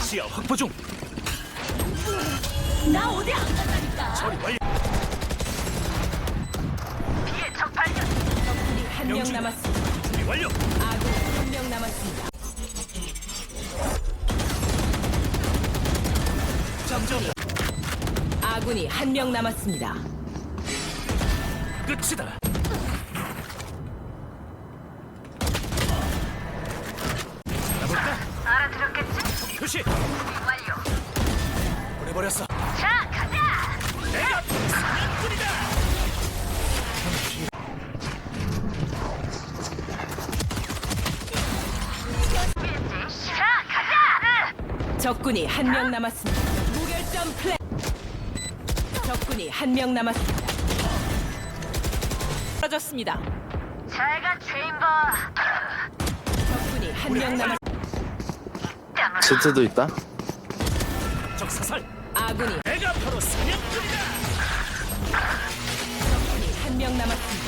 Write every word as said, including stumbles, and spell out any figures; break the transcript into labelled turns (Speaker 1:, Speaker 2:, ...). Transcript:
Speaker 1: 시야 확보 중.
Speaker 2: 나 어디 안 간다니까.
Speaker 1: 처리 완료.
Speaker 2: 비의 적 발견.
Speaker 3: 적군이 한 명
Speaker 1: 명중.
Speaker 3: 남았습니다.
Speaker 1: 준비 완료.
Speaker 3: 아군이 한 명 남았습니다.
Speaker 1: 장전.
Speaker 3: 아군이 한 명 남았습니다.
Speaker 1: 끝이다. 가볼까?
Speaker 2: 알아들었겠지?
Speaker 1: 표시.
Speaker 2: 완료.
Speaker 1: 보내버렸어.
Speaker 2: 자, 가자.
Speaker 1: 내가 사냥꾼이다.
Speaker 2: 자, 가자.
Speaker 3: 적군이 한 명 남았습니다. 무결점 플레이. 적군이 한 명 남았습니다. 떨어졌습니다.
Speaker 2: 잘가 체인버.
Speaker 3: 적군이 한 명 남았습니다.
Speaker 4: 제트도 있다.
Speaker 1: 적 사살.
Speaker 3: 아군이
Speaker 1: 내가 바로 사냥꾼이다.
Speaker 3: 적군이 한 명 남았습니다.